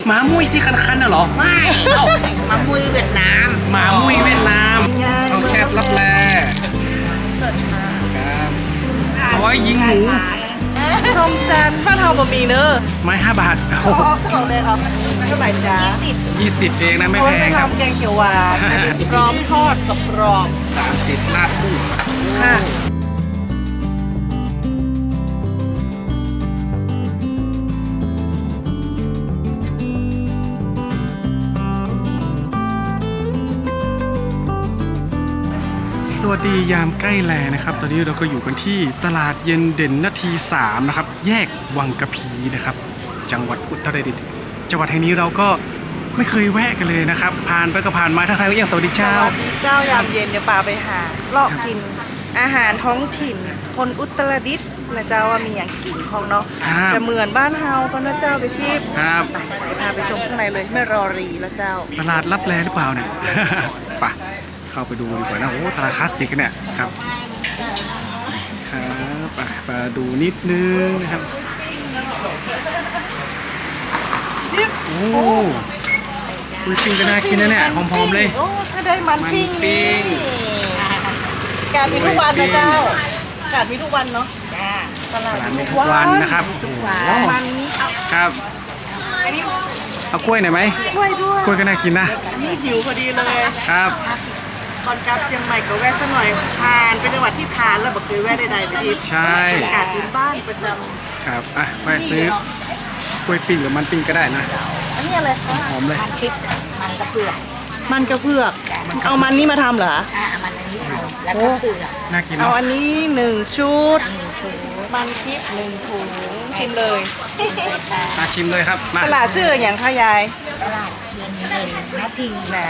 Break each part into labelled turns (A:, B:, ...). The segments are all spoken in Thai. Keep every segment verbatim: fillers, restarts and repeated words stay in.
A: หมามุ้ยที่คันๆน่ะเหรอ
B: ไม่เอ้าหมามุ้ยเวียดนาม
A: หมามุ้ยเวียดนามเอาแคบรับแล
C: สวัสดีค่ะ
A: ครับเอาไว้ยิงหมู
C: ชมจันบ้านเฮาบะหมี่เนอะ
A: ไม้ห้าบาท
C: เอาออกสักหน่อยเลยครับเท่าไหร่จ๊ะ
A: ยี่สิบเองนะไม่แพงครับ
C: แกงเขียวหวานพร้อมทอดกับกรอบ
A: สามสิบราดกุ้ง
C: ค่ะ
A: สวัสดียามใกล้แลนะครับตอนนี้เราก็อยู่กันที่ตลาดเย็นเด่นนาทีสามนะครับแยกวังกะพีนะครับจังหวัดอุตรดิตถ์จังหวัดแห่งนี้เราก็ไม่เคยแวะกันเลยนะครับผ่านไปก็ผ่านมาถ้าใครก็ยังสวัสดีเจ้า
C: สวัสดีเจ้ายามเย็นเดี๋ยวป่าไปหาเลาะกินอาหารท้องถิ่นคนอุตรดิตถ์นะเจ้าว่ามีอย่างกินของเนาะจะเหมือนบ้านเฮาก็นะเจ้าไปที่
A: ครับ
C: ไปพาไปชมข้างในเลยไม่รอรีแล้วเจ้า
A: ตลาดลับแลหรือเปล่าเนี่ย ไปเข้าไปดูดีกว่านะโอ้ตลาดคลาสสิกเนี่ยครับครับมาดูนิดนึงนะครับโอ้คุยปิ้งก็น่ากินนะเนี่ยหอมๆเลย
C: โอ้ถ้าได้มันปิ้ง
A: ปิ้ง
C: การมีทุกวันนะเจ้าการมีทุกวันเนาะตลาด
A: มีทุกวันนะครับ
C: มันนี้
A: ครับเอากล้วยหน่อยไหม
C: กล้วยด้วย
A: กล้วยก็น่ากินนะ
C: นี่หิวพอดีเลย
A: ครับ
C: ก่อนกลับเชียงใหม่ก็แวะสักหน่อยผ่านเป็นจังหวัดที่ผ่านแล้วบอกเคยแวะใดๆไปที่
A: ใช่
C: การพื้นบ้านประจำ
A: ครับอ่ะไปซื้อกล้วยปิ้งหรือมันปิ้งก็ได้นะ
C: อันนี้อะไรคะ
A: หอมเลย
B: มันพริกมันกระเพือก
C: มันกระเพือกเอามันนี่มาทำเหรอ
B: อ่ามันอันนี้แล้วก็เปลือก
A: น่ากิน
C: เอาอันนี้หนึ่งชุดมันพริกหนึ่งถุงชิมเลย
A: มาชิมเลยครับ
C: ตลาดชื่ออย่างคะยาย
B: ตลาดเย็นเย็นนาที
C: น่ะ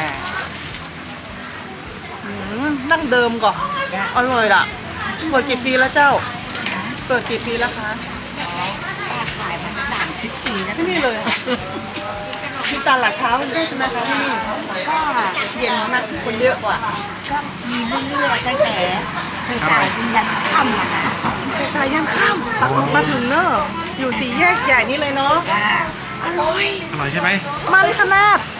C: นั่งเดิมก่อนอร่อยล่ะเปิดกี่ปีแล้วเจ้าเปิดกี่ปีแล้วคะ
B: ป้าขายมาสามสิบปีแล้ว
C: ที่นี่เลยมีตลาดเช้าด้วยใช่ไหมคะที่นี่
B: ก็
C: เย็นมากคนเยอะกว่า
B: ก็มีเรื่อยๆตั้งแต่สายๆจนยันค่ำอะนะ
C: สายๆยันค่ำมาถึงเนอะอยู่สี่แยกใหญ่นี่เลยเนาะอร่อย
A: อร่อยใช่ไหม
C: มันขนาด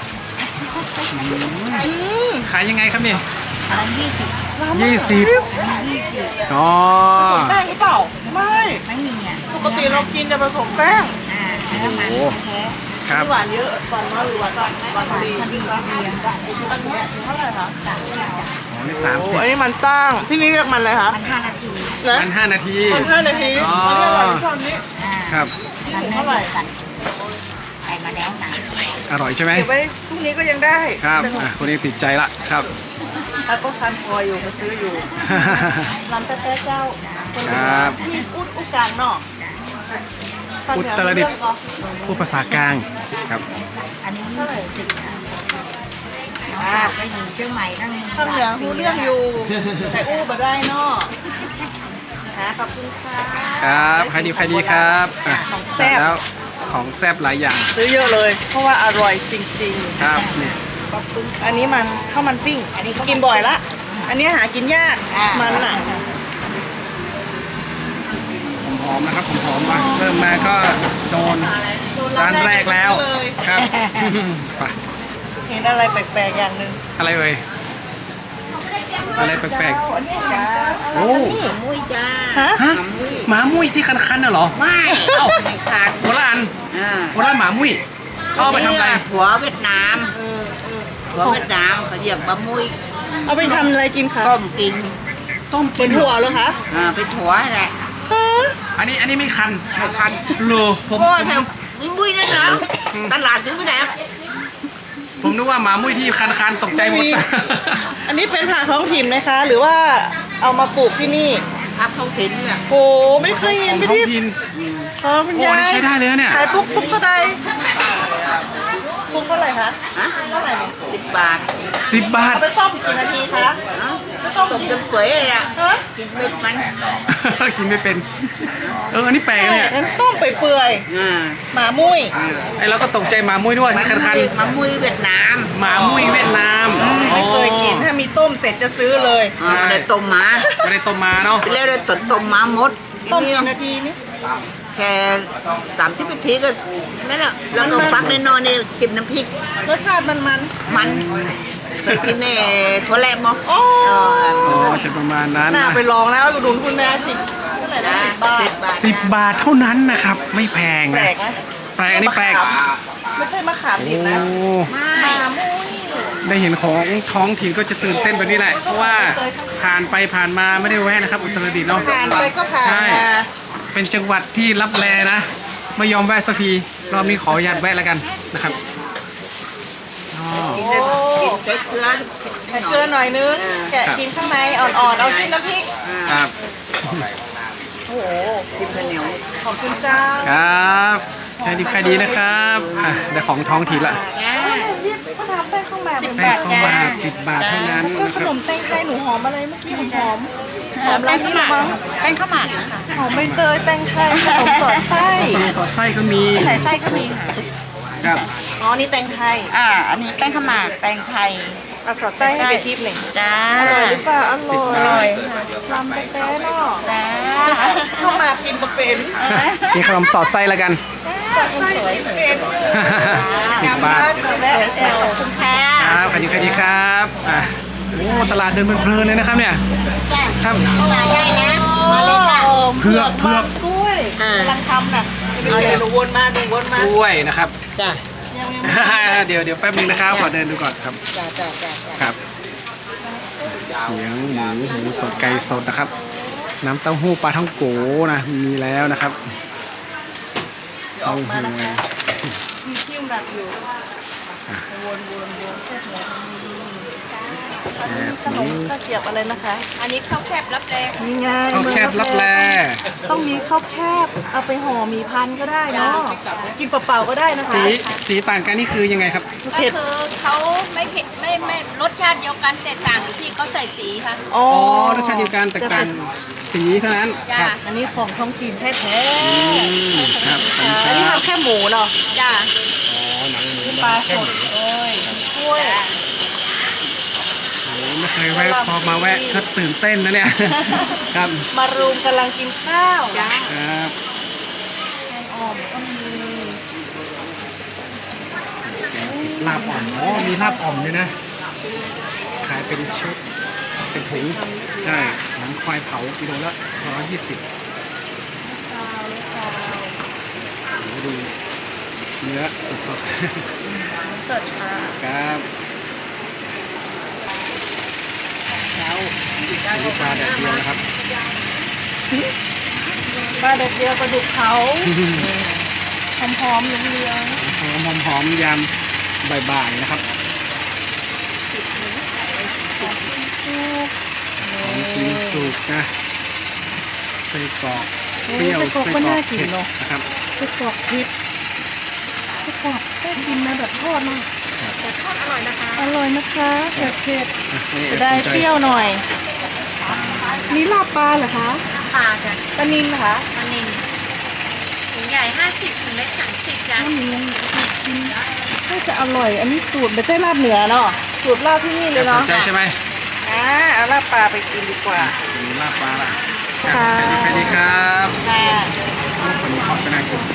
A: ขายยังไงครับนี่
B: ร้านยี่สิบ
A: ยี่สิบอ๋อ
C: ผสมแป้งหรือเปล่าไม่
B: ไม่มีอ่ะ
C: ปกติเรากินจะผสมแป้ง
B: อ่าแล้วมันแท้
A: ครับ
C: หวานเยอะหวานน้อยหรือหวานหวานดี
B: พอดีพอดี
C: อันนี้เท่าไหร่คะ
B: สามสิบ
A: อ๋อนี่สามสิบ
C: อันนี้มันตั้งที่นี่เรียกมันอะไรคะ
B: มันห้านาที
A: มันห้านาที
C: มันห้านาทีอ๋ออันนี้อร่อยที่สุดนี้
A: ครับ
B: มันเท่าไหร่กันใส่มาแล้วนะ
A: อร่อยใช่ไหม
C: เก็บไว้พรุ่งนี้ก็ยังได้
A: ครับคนนี้ติดใจละครับ
C: ถ้าก็ทานพออยู่มาซื้ออยู่ร้านแป๊ะเจ้า
A: ครับ
C: ที่อุดอุการเนาะ
A: อุตรดิตถ์พูดภาษากลางครับ
B: อันนี้เท่าไหร่สิบอ่าไปอยู่เชียงใหม่ตั้ง
C: ข้างเหนือรู้เรื่องอยู่แต่อู้มาได้เนาะขอบคุณค่ะ
A: ครับใครดีใครดีครับของแซ่บแล้วของแซ่บหลายอย่าง
C: ซื้อเยอะเลยเพราะว่าอร่อยจริงๆ
A: ครับเนี่ย
C: อันนี้มันข้าวมันปิ้งอันนี้กินบ่อยละอันนี้หากินยากมันอ่ะ
A: หอมนะครับหอมมาเริ่มมาก็โดนร้านแรกแล้วครับไป
C: เห็นอะไรแปลกๆอย่างหนึ่ง
A: อะไรเอ่ยอะไรแปลกๆโอ้
B: มุ้ยจ้า
A: ฮะหมามุ้ยที่คันๆน่ะเหรอ
B: ไม่เอ้าขาด
A: โคราชโคราชหมามุ้ยเข้าไปทำอะไร
B: หัวเวียดนามหัวเวียดนามเขาเรียกบะมุ้ย
C: เอาไปทำอะไรกินคะ
B: ต้มกิน
A: ต้ม
C: เป็นถั่วเหรอคะ
B: อ่าเป็นถั่วแหละ
A: อันนี้อันนี้ไม่คัน
B: ไม่คัน
A: โลผม
B: โอ้ยมุ้ยมุ้ยนั่นเหรอตลาดซื้อไปไหน
A: ผมนึกว่าหมามุ้ยที่คันๆตกใจหมด
C: อันนี้เป็นผักท้องถิ่นไหมคะหรือว่าเอามาปลูกที่นี่
B: ผักท้องถิ่นเนี่ย
C: โอ้ไม่เคยเห็นพี่ทิพย์
A: อ๋อนี่ใช้ได้เลยเนี่ย
C: ขายปุ๊กปุ๊กก็ได้ปุ๊กเท่าไหร่คะเท่าไหร่
B: สิบบาท
A: สิบบาท
C: ไปต้มกี่นาทีคะ
B: ต้มจนเปื่อยเลยอ่ะกินไม่มัน
A: กินไม่เป็นเอออันนี้แปลกเนี่ย
C: ต้มไปเปื่อยหมามุ้ย
A: ไอเราก็ตกใจหมามุ้ยด้วยคันคัน
B: หมามุ้ยเวียดนาม
A: หมามุ้ยเวียดนาม
C: ไม่เคยกินถ้ามีต้มเสร็จจะซื้อเลย
B: ไม่ได้ต้มมา
A: ไม่ได้ต้มมาเนาะ
B: ไปเรียกเลยต้มต้มมาหมด
C: ต้มกี่นาทีนี่
B: สแค่สามสิบนาทีก็นั่นแหละแล้วก็ฟักแน่นอนเนี่ยจิ้มน้ำพริก
C: รสชาติมันมัน
B: มันเคยกินแน่ถั่วแลมมั้ง
C: โอ้
A: อ๋อจะประมาณนั้น
C: น่า
A: นะ
C: ไปลองแล้วอุดหนุนคุณแม่สิเท่าไหร่นะสิบบาท
A: สิบบาทเท่านั้นนะครับ ไม่แพง
C: แปล
A: นะ
C: กไหม
A: แปลกอันนี้แปลก
C: ไม่ใช่มะขามดิบ
A: โอ้
C: นะ
B: ไม่
C: มะมุ้ย
A: ได้เห็นของท้องถิ่นก็จะตื่นเต้นแบบนี้แหละ เพราะว่าผ่านไปผ่านมาไม่ได้แวะนะครับ อุตรดิตถ์เนาะ
C: ผ่านไปก็ผ่าน
A: ใช่
C: มา
A: เป็นจังหวัดที่รับแลนะ ไม่ยอมแวะสักทีรอบนี้ขออนุญาตแวะแล้วกันนะครับอ๋อ
B: กินแต่กินใส่เกลือ
C: ใส่เกลือหน่อยนึงแกะกินข้างในอ่อนๆเอาจิ้มน้ำพริก
A: ครับ
C: โอ้โห
B: กินข้าวเหนียว
C: ขอบคุณเจ้า
A: ครับใครดีใครดีนะครับอ่ะได้ของท้องถิ่นละ
C: เขาทำแป้งข้าวหมาก
A: แป้งข้าวหมากสิบบาทเท่านั้น
C: ก็
A: นะ
C: ข
A: ครั
C: น
A: บ
C: มแตงไทยหนูหอมอะไรเมื่อกี้หอมหอมหอมร้านนี้หรอมั้ง
B: แป้งข้าวหมากนะคะ
C: หอมใบเตยแตงไทยขนมสอดไส้
A: ขนมสอดไส้ก็มี
C: ใส่ไส้ก็มีค่ะ
A: ครับ
C: อ๋อนี่แตงไทย
B: อ่าอันนี้แป้งข้าวหมากแตงไทย
C: เอาสอดไส้ให้ไปทิพย์หนึ่ง
B: จ้า
C: อร่อยหรือเปล่าอร่อย
B: อร่อย
C: ลำแป๊ะๆเนาะ
B: จ้า
C: เข้ามากินมาเป็น
A: นี่ขนมสอดไส้แล้วกัน
C: สอดไส้เป็น
A: สิบบาท
C: แวะแอลคุณค่ะ
A: ครับใครดีใครดีครับอ่ะโอ้ตลาดเดินเพลินๆเลยนะครับเนี่ยครับ
B: มาได้นะ
C: มาเลยค่ะ
A: เผือกเผือก
C: กล้วย
B: อ่า
C: กำลังทำน่ะเอาเลยหนูวนมาหนูวนมาก
A: ล้วยนะครับ
B: จ้า
A: เดี๋ยวเดี๋ยวแป๊บนึงนะครับขอเดินดูก่อนครับ
B: จ้าจ้าจ้า
A: ครับเสียงหมูหมูสดไก่สดนะครับ น้ำเต้าหู้ปลาท่องโกนะมีแล้วนะครับเต้าหู้
C: มีคิ้วหนักอยู่วนวนวนแค่หัวอันนี้ขนมข้าวเกรียบอะไรนะคะ
D: อันนี้ข้าวแคบรับแรง
C: นี่ไง
A: ข้าวแคบรับแล
C: ต้องมีข้าวแคบเอาไปห่อหมีพันก็ได้เนาะกินเปล่าๆก็ได้นะคะ
A: สีสีต่างกันนี่คือยังไงครับ
D: ก็
C: เผ็ด
D: คือเขาไม่เผ็ดไม่ไม่รสชาติเดียวกันแต่ต่างอยู่ที่เขาใส่สีค่ะ
C: อ๋อ
A: อ๋อรสชาติเดียวกันแต่ต่างสีเท่านั้น
D: จ้า
A: ครับ
C: อันนี้ของท้องถิ่นแท้
A: อืมครับขอบคุณ
C: ๆ
A: ค
C: อันนี้
A: รับ
C: ทำแค่หมูเนาะ
D: จ้า
A: อ๋อหนังหมู
C: ปลาสดเอ้ยกล้วย
A: โอ้ไม่เคยแวะพอมาแวะก็ตื่นเต้นนะเนี่ย ครับ
C: มารุมกำลังกินข้าว
D: จ้า
A: ครับ
C: แกงอ่อมก็มี
A: ลาบอ่อมอ๋อมีลาบอ่อมด้วยนะ ขายเป็นชุด เป็นถุง ใช่หนังควายเผากิโลละร้อยยี่สิบ
C: ซาวเลยซาว
A: ดูเนื้อสด
C: สดค่ะ
A: ๆครับแล้วนี่ปลาแดดเดียวนะครับ
C: ปลาเด็ดเดียวปลาดุกเผาหอมๆเหลือง
A: หอมหอมๆยามบ่ายๆนะครับ
C: ๆซุป
A: ของกินสุกนะไส้กรอกเปรี้ยวไส้กรอกเผ็ดนะครับ
C: ไส้กรอกพริกไส้กรอกแค่กินนะแบบทอดเนาะ
D: แต่ทอดอร่อยนะคะ
C: อร่อยนะคะเผ็ดเผ็ด
A: อ่ะนี่
C: ๆจะได้
A: สนใจ
C: เปรี้ยวหน่อย นี่ลาบปลาเหรอคะ
D: ปลาจ้ะ
C: ปลานิลเหรอคะ
D: ปลานิลถุงใหญ่ห้าสิบถุงเล็กสามสิบจ้ะ
C: ปลานิลกินน่าจะอร่อย อันนี้สูตรไม่ใช่ลาบเหนือเนาะสูตรลาบที่นี่เลย
A: ส
C: เนาะ
A: นใจใช่ไหม
C: อ่าเอาลาบปลาไปกินดีกว่า
A: มีลาบปลาละ
C: ค่ะ
A: สวัสดีครับ
C: ค่ะ
A: วันนี้ขอเป็นอาชีพ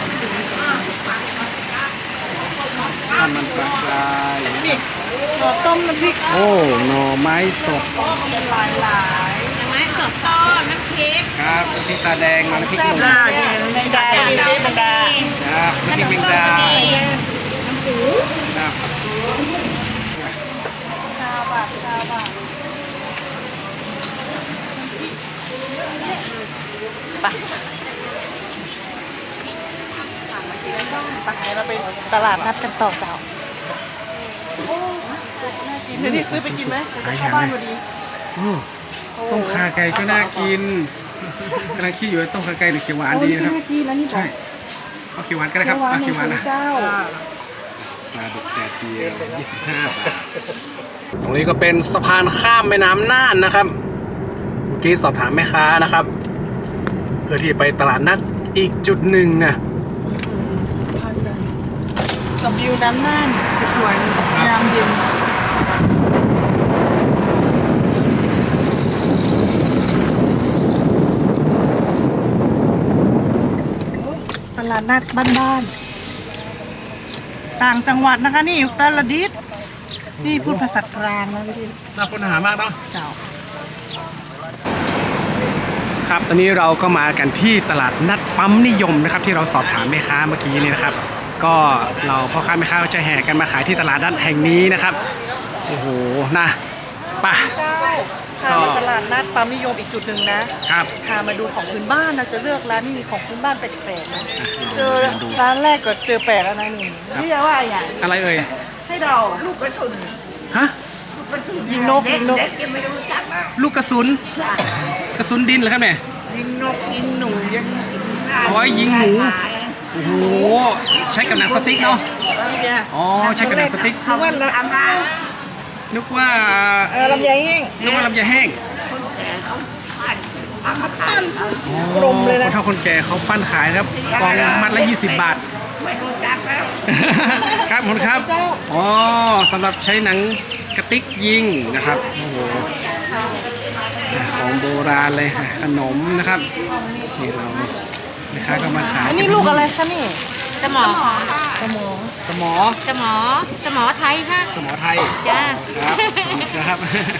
A: ข้าวมันปลากราย
C: นี่หน่อต้มน้ำพริก
A: โอ้หน่อไม้สด
C: หลายหลาย
D: ไม้สดทอดน้ำพริก
A: ครับน้ำพริกตาแดงมาน้ำพริก
C: แซ่บ
A: หนุ่ม
C: มากเนี่ยแมงดาดีด้วยแมงดา
A: ครับน้ำพริกแมงดา
C: น้ำหู
A: ครับ
C: ซาบะซาบะไปไปเดี๋ยวเราไปตลาดนัดกันต่อเจ้าเดี๋ยวนี่ซื้อไปกินไหม
A: หาย
C: เข้า
A: หา
C: บ้าน
A: ไหม
C: พอดี
A: โอ้ต้มขาไก่ก็น่ากินกำลังคิดอยู่ว่าต้มขาไก่หรือเขียวหวานดีนะครับ
C: โอ้ยกินแล้วนี่
A: ใช่เอาเขียวหวานก็ได้ครับเอาเขียวหวานนะ
C: เจ้า
A: ปลาดุกแดดเดียวยี่สิบห้าบาทตรงนี้ก็เป็นสะพานข้ามแม่น้ำน่านนะครับ เมื่อกี้สอบถามแม่ค้านะครับ เพื่อที่ไปตลาดนัดอีกจุดหนึ่งนะ
C: กับวิวน้ำน่านสวยๆยามเย็นลาดนัดบ้านๆต่างจังหวัดนะคะนี่อุตรดิตถ์นี่พูดภาษากลางนะพี่ดิน
A: น่าค้นหามากเนาะ
C: เจ้า
A: ครับตอนนี้เราก็มากันที่ตลาดนัดปั๊มนิยมนะครับที่เราสอบถามแม่ค้าเมื่อกี้นี่นะครับ ก็เราพ่อค้าแม่ค้าก็จะแห่กันมาขายที่ตลาดนัดแห่งนี้นะครับโอ้โหนะป่ะ
C: เจ้าพาไปตลาดนัดปั๊มนิยมอีกจุดหนึ่งนะครับ พามาดูของพื้นบ้านนะจะเลือกร้านที่มีของพื้นบ้านแปลกๆนะเจอร้านแรกก็เจอแปลกแล้วนะนี่นี่จะว่าอย่าง
A: อะไรเอ่ย
C: ให้เราลูกกระสุน
A: ฮะ
C: ยิงนกยิงนก
A: ลูกกระสุนกระสุนดินเหรอครับเนี่ย
B: ยิงนกยิงหนูยัง
A: เอาไว้ยิงหนูโอ้โหใช้กับหนังสติ๊กเนาะอ๋อใช้กับหนังสติ๊ก
C: นึกว่าละ
A: นึกว่า
C: เออลำไยแห้ง
A: นึกว่าลำไยแห้ง
C: ปั้นกลมเลย
A: ค
C: นะ
A: นเฒ่าคนแก่เขาปั้นขายครับกองมัดละยี่สิบบาท
B: ไม่รู้จักแล้ว
A: ครับผมครับอ๋อสำหรับใช้หนังกระติกยิงนะครับโอ้โหของโบราณเลยขนมนะครับนี่เราแม่ค้าก็มาขาย
C: อันนี้ลูกอะไรคะนี่
D: สมอค่ะ
C: สมอง
A: สมอ
D: สมอสมอไทยค่ะ
A: สมอไทย
D: จ้า
A: ครับครับ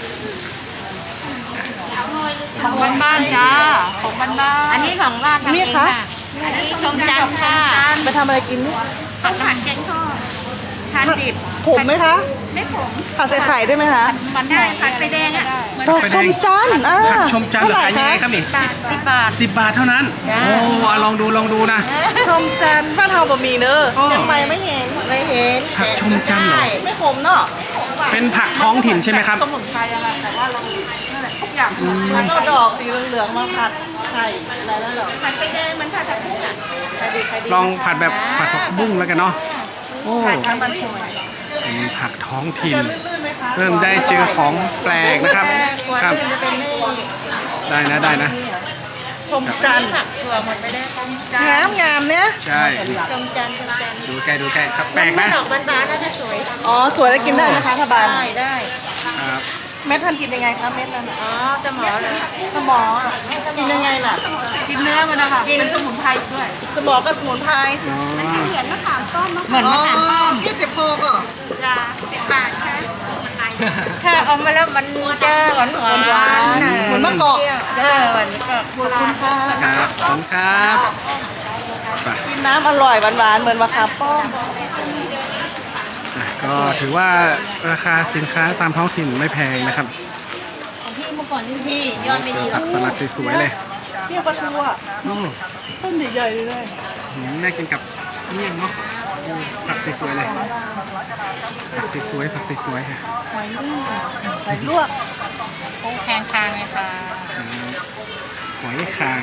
D: ของบ้านบ้านจ้าของบ้านบ้านอันนี้ของบ้านทำเองค่ะอันนี้ชมจันทร์ค่ะ
C: ไปทำอะไรกินนี่
D: ต้มผัดแกงทอดทานดิบ
C: ผมไหมคะ
D: ไม่ผม
C: ผัดใส่ไข่ได้ไหมคะ
D: มันได้ผัดไฟแดงอ่ะ
C: ดอกชมจันทร์อ่า
A: ผักชมจันทร์เหรอขายยังไงครับนี่
D: บาทสิบบาท
A: สิบบาทเท่านั้น
D: จ้า
A: โอ้เอาลองดูลองดูนะ
C: ชมจันทร์บ้านเฮาบะหมี่เนอะ
A: อ๋อ
C: เชียงใหม่ไม่เห็นไม่เห็น
A: ผักชมจันทร์เหรอ
C: ไม่ผมเนาะ
A: เป็นผักท้องถิ่นใช่ไหมครับ
C: สมุนไพรอะไรแต่ว่าเรานั่นแหละทุกอย่างแล้วก็ดอกสีเหลืองๆมาผัดไข่อะไรแล้วเหรอ
D: ผัดไฟแดงมันผัดผักบุ้งอ่ะ
C: ใครดีใครดี
A: ลองผัดแบบผัดผักบุ้งแล้วกันเนาะโอ้
C: ทางบ้านผม
A: เป็นผักท้องถิ่น
C: จะลื่นๆไหมคะ
A: เริ่มได้เจอของแปลกนะครับ
C: ค
A: ค
C: รั
A: รั
C: บบ จะเป็นนี่
A: ได้นะได้นะ
C: ชมจันทร์
D: ถั่วหมดไปได้ต้ม
C: งามงามๆเนี่ย
A: ใช่
D: ชมจันทร์ชมจันทร์
A: ดูใกล้ดูใกล้ครับแปลกนะ
D: ดอกบานๆน่าจะสวย
C: อ๋อถั่วได้กินได้นะคะถ้าบาน
D: ได้ได้
A: ครับ
C: เม็ดท่านกินยังไงคะเม็ดนั้นน่ะ
D: อ๋อสมอเลย
C: สมออ่ะกินยังไงล่ะ
D: กินเนื้อมันนะคะเป็นสมุนไพรด้วย
C: สมอก็สมุนไพร
A: อ๋อ
D: เหมือนมะขามต้มมะ
C: เหมือนมะขามป้อมที่เจ็บคอก็
D: จ้าสิบบาทค่ะถ้าเอามาแล้วมันจะหวานหวาน
C: เหมือนมะกอก
D: เออหวานกอก
C: ขอบคุณค่ะ
A: ครับขอบคุณครับไป
C: กินน้ำอร่อยหวานๆเหมือนมะขามป้อม
A: อ่ะก็ถือว่าราคาสินค้าตามท้องถิ่นไม่แพงนะครับ
D: พี่เมื่อก่อนนี่พี่ยอดไม่
A: เจ
D: ดี
A: อ
D: หร
A: ผั
D: อก
A: กสลัดสวยๆเลย
C: เที่ยวปลาทูอ่ะ
A: อืม
C: ต้นใหญ่ๆเลย
A: อืมน่ากินกับเมี่ยงเนาะอืมผักสวยๆเลยผักสวยๆผักสวยๆค่ะ
C: หอยนึ่งหอยลวก
D: ปูแพงคางไงคะ
A: อืมหอยคาง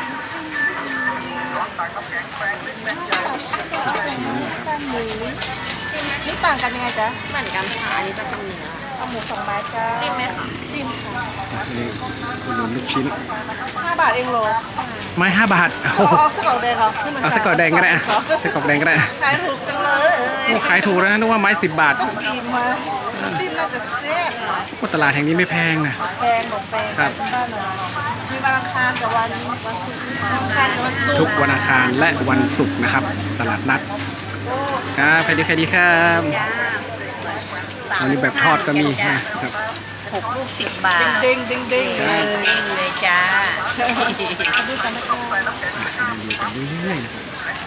A: ลูกชิ้นนะครับ
C: แป้งหมูนี่ต่างกันยังไงจ๊ะ
D: เหมือนกันค่ะอันนี้จะเป็นเนื้อ
C: เอาหมูสองไม้จ้า
D: จิ้มไหมคะ
C: จิ้มค่ะ
A: นี่อุดหนุนลูกชิ้น
C: ห้าบาทเองโล
A: ไม้ห้าบาท
C: เอา
A: โอ้โห
C: เอาสกอตแดงครับที่มัน
A: เอาสกอตแดงก็ได้อะสกอตแดงก็ได้อะ
C: ขายถูกจังเลย
A: โอ้ขายถูกแล้วนะนึกว่าไม้สิบบาท
C: ต้องซีมมาจิ้มน่าจะแซ่บ
A: โอ้ตลาดแห่งนี้ไม่แพงนะ
C: แพงบอกแพง
A: ครับ
C: บ้านเรามีวันอังคารกับวันวันศุกร์วันอังคารกับวันศุกร์
A: ทุกวันอังคารและวันศุกร์นะครับ ตลาดนัดครับใครดีใครดีครับอันนี้แบบทอดก็มีนะครับ
B: หกลูกสิบบาท
C: เด้งเด้งเด้ง
A: ครั
C: เล
A: บ
C: ย
B: เด้งเลยจ้า
C: ดูกันนะคะ
A: ดูกันเรื่อยๆนะครับ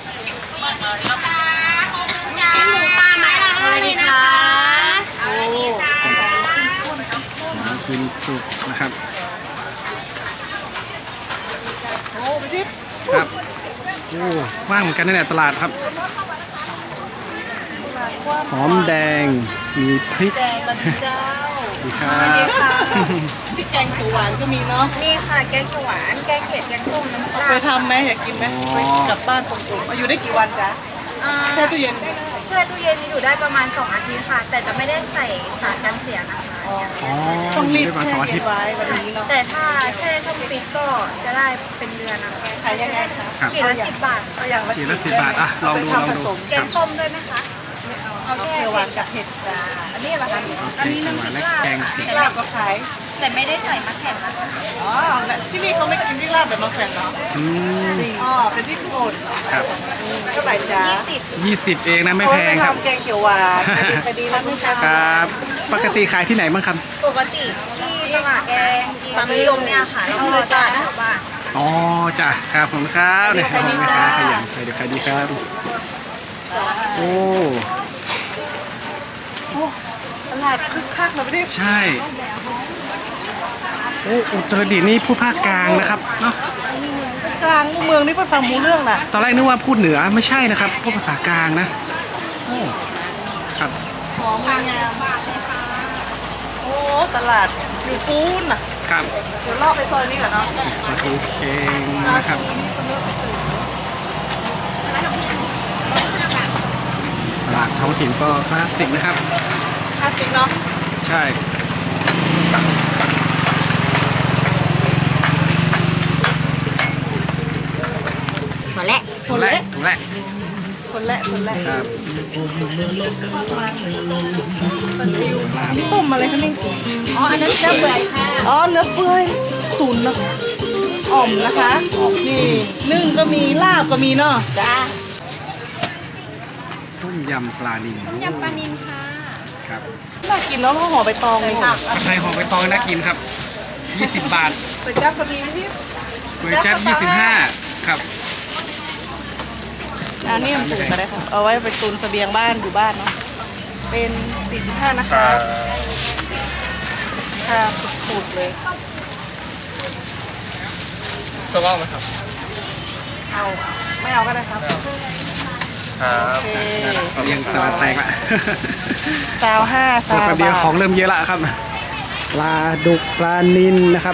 D: ชิ้นหมูปลาไม้ละห้าเลยนะคะ
C: โอ้
A: หมูกินสุกนะครับ
C: โหไปดิ
A: ครับโอ้ว่างเหมือนกันนะเนี่ยตลาดครับ หอมแดงมีพริก
C: แดงบันเจ้า
A: ดีครั
C: อันนี้
A: บ
C: ค่ะพริกแกงเขียวหวานก็มีเนาะ
B: นี่ค่ะแกงเขียวหวานแกงเผ็ดแกงส้มน้ำป
C: เอา
B: ลา
C: ไปทำไหมอยากกินไหมไปกลับบ้านผมๆอยู่ได้กี่วันจ๊ะ
B: อ่า
C: แช่ตู้เย็น
B: แช่ตู้เย็นอยู่ได้ประมาณสองอาทิตย์ค่ะ แต่จะไม่ได้ใส่สารกันเสียนะคะ
A: อ๋อ
C: ต้องรีบ
A: ได้มา
C: แช่
A: สองอา
C: เย็
A: ทิต
C: น
A: ย์
C: ไว้วันนี้เนาะ
B: แต่ถ้าแช่ช่องฟิตก็จะได้เป็นเดือนนะคะ
C: ขายยังไงคะ
A: ครับ
B: ขีดละสิบบาท
C: เอาอย่างละ
A: ขีดละสิบบาทอ่ะลองดูลองดู
C: ผสม
B: แกงส้มด้วยไหมคะเอาแช่
C: เขียวหวา
B: เผ็
C: น
B: ด
C: กับเห็ดจ้า
B: อันนี้เหรอคะ
C: อันนี้น้ำพริกลาบ
A: แกงเผ็ด
C: ลาบก็ขาย
B: แต่ไม่ได้ใส่มะแขวนนะ
C: อ๋อแบบที่นี่เขาไม่กินที่ลาบแบบมะแขวนเนาะ
A: อืม
C: อ๋อเป็นที่โปรด
A: ครับ
C: เท่าไหร่จ๊ะ
B: ยี่สิบ
A: ยี่สิบเองนะไม่แพงครับ
C: โอ้ยไปทำแกงเขียวหวานคดีนะพี่จ๊ะ
A: ครับ ปกติขายที่ไหนบ้างครับ
B: ปกติที่ตลาดแกงความนิยมเนี่ยค่ะแล้วก็ตลาดแถวบ้าน
A: อ๋อจ้ะครับผมครับเนี่ยขอบคุณแม่ค้าขยันใครเดี๋ยวใครดีครับ โอ้
C: โอ้ตลาดคึกคักเลยพี่
A: ใช่ โอ้อุตรดิตถ์นี่พูดภาคกลางนะครับเนาะ
C: กลางเมืองนี่เพิ่งฟังมูเรื่องน่ะ
A: ตอนแรกนึกว่าพูดเหนือไม่ใช่นะครับพูดภาษากลางนะโอ้ครับ
C: หอมงามโอ้ตลาดอยู่ปูนน่ะ
A: ครับ
C: เดี๋ยวลอกไปซอยนี้ก่อนเนาะ
A: ปลาทูเค็งนะครับ ตลาดท้องถิ่นก็คลาสสิกนะครับ
C: คลาสสิกเนาะ
A: ใช่
D: หัวแหละ
A: ตัวแรกตัวแรก
C: คนแรกคนแรก
A: ครับ
C: ปลาซิวนี่ต้มอะไรคะนี่
D: อ๋อ อันนั้นเนื้อเปื่อยค่ะ
C: อ๋อเนื้อเปื่อยตุ๋นเนาะอ่อมนะคะนี่นึ่งก็มีลาบก็มีเนาะจ้า
A: ต้มยำปลานิล
D: ยำปลานิลค่ะ
A: ครับ
C: น่ากินเนาะเพราะห่อใบตองเลยค่ะ
A: ผัดไทยหอมใบตองน่ากินครับยี่สิบบาท
C: เป็ดจับก็มีไหมพี่
A: ก๋วยจั๊บยี่สิบห้าครับ
C: อันนี้ยังปลูกก็ได้ค่ะเอาไว้ไปตุนเสบียงบ้านอยู่บ้านเนาะเป็นสี่สิบห้านะคะค่ะปลูกเลย
E: สว่างไหมครับ
C: เอาไม่เอาก็ได้ครับ
E: ครับ
C: โอเค
A: เรียงตลาดแตกละ
C: ซาวห้า
A: หม
C: ซา
A: ด
C: ว
A: แป๊บเดียว
C: บาท
A: ของเริ่มเยอะละครับ ปลาดุกปลานิลนะครับ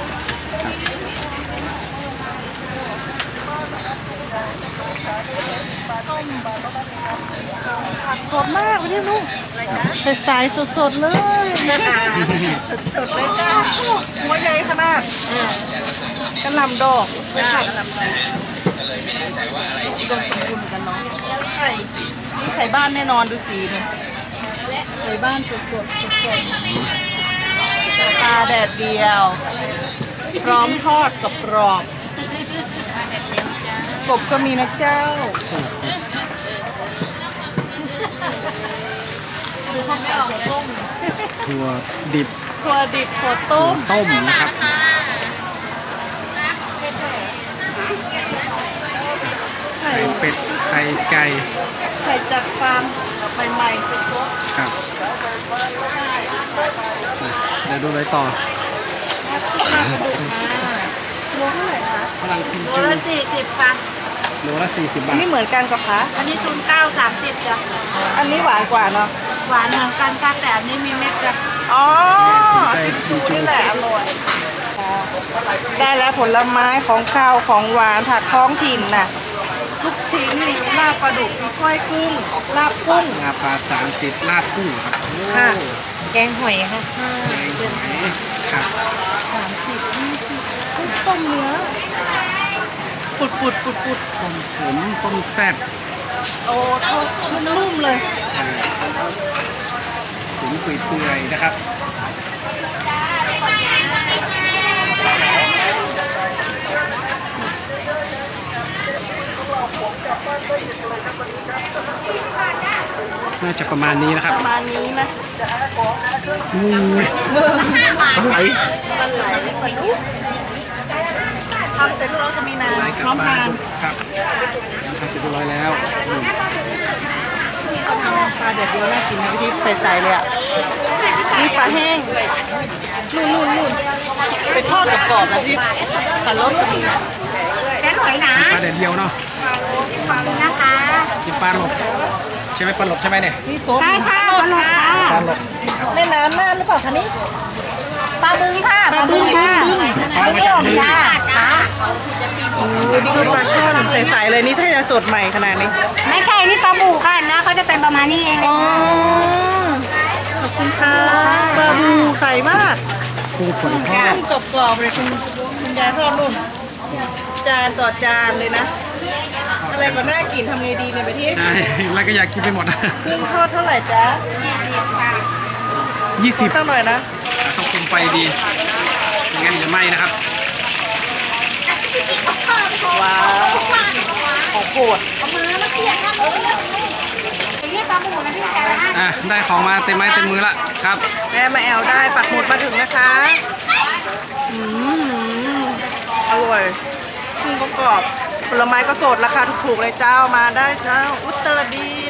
C: สดมากไปที่ลูกใส่สายสดๆเลย
B: สดเลยจ้า
C: หัวใหญ่ขนาดกระหล่ำดอก
B: จ้า
C: อุดมสมบูรณ์เหมือนกันเนาะไข่นี่ไข่บ้านแน่นอนดูสีนี่ไข่บ้านสดๆสดๆปลาแดดเดียว พร้อมทอดกับกรอบกบก็มีนะเจ้าดูข้าวไม่ออกต้ม
A: ถั่วดิบ
C: ถั่วดิบถั่วต้ม
A: ต้มนะครับ
C: ไข่
A: ไข่เป็ด ไข่ไก่
C: ไข่จากฟาร์มใหม่ๆสด
A: ครับ เดี๋ยวดูอะไรต่อ
C: ๆโลเท่าไหร่คะ
A: ฝรั่งกิม
B: โล
A: จู
B: ละสี่สิบค่ะ
A: โลละสี่สิบบาท
C: นี่เหมือนกันกับคะ
B: อันนี้ทุนเก้าสามสิบจ้ะ
C: อันนี้หวานกว่าเนาะ
B: หวานเหมือนกันค่ะแต่อันนี้มีเม็ดจ้ะ
C: อ๋อ
A: สนใจกิมจู
C: นี่แหละอร่อยได้แล้วผลไม้ของข้าวของหวานผักท้องถิ่นน่ะลูกชิ้นลาบปลาดุกมีกล้วยกุ้งลาบกุ้ง
A: ลาบปลาสามสิบลาบกุ้งครับโอ้
C: ค่ะ
D: แกงหอยค่ะ
A: แกงหอยครับ
C: สามสิบยี่สิบกุ้งต้มเนื้อปุดปุดปุดปุด
A: ต้มขมต้มแซ่บ
C: โอ้ทอดนุ่มๆเลย
A: อ่าตุ๋นเปื่อยๆนะครับ น่าจะประมาณนี้นะค
C: ป
A: รับ
C: ระมาณนี้นะ
A: อุ้ยอะไร
C: มันไหลไปนุ๊กทำเสร็จแล้วจะมีน้
A: อะไร
C: ำ
A: กั
C: พร้อม
A: ปลา
C: ทาน
A: ดุกครับทำเสร็จเรียบร้อยแล้วอืม
C: ปลาเด็ดเดียวน่ากินนะพี่ทิพย์ใสๆเลยอ่ะนี่ปลาแห้งนุ่นๆๆไปทอดกับกรอบๆนะที่ปลารสก็มี
D: แกงหอยหนา
A: ปลาแดดเดียวเนาะ
D: นะคะ
A: กินปลาหลบใช่ไหมปลาหลบใช่ไหมเนี่ย
C: นี่ซุป
D: ใช่ค่ะปลาหลดค่ะ
A: ปลาหลบ
C: แม่น้ำน่านหรือเปล่าคะนี่
D: ปลาบึงค่ะ
C: ปลาบึ้ง
D: ค่ะ
A: ปลามาจากบึง
D: จ้าค่ะ
C: นี่คือปลาช่อนใสๆเลยนี่ถ้าจะสดใหม่ขนาดนี้
D: ไม่ใช่นี่ปลาบูค่ะนะเขาจะเป็นประมาณนี้เอง
C: อ๋อขอบคุณค่ะปลาบูใสมาก
A: กุ้งฝอยทอด
C: กุ้งกรอบๆเลยคุณคุณยายทอดนุ่นจานต่อจานเลยนะ อะไรก็น่ากินทำไงดีเนี่ยไปที่
A: ใช่แล้วก็อยากกินไปหมด
C: กุ้งทอดเท่าไหร่จ๊ะ
A: ยี่สิบ
C: สักหน่อยนะ
A: คต้องคุมไฟดีไม่งั้นจะไหม้นะครับ
C: ว้าวของโปรด
A: อ่ะได้ของมาเต็มไม้เต็มมือละครับ
C: แม่มาแอลได้ปักหมุดมาถึงนะคะอืมอร่อยกุ้งก็กรอบผลไม้ก็สดราคาถูกๆเลยเจ้ามาได้เจ้าอุตรดิ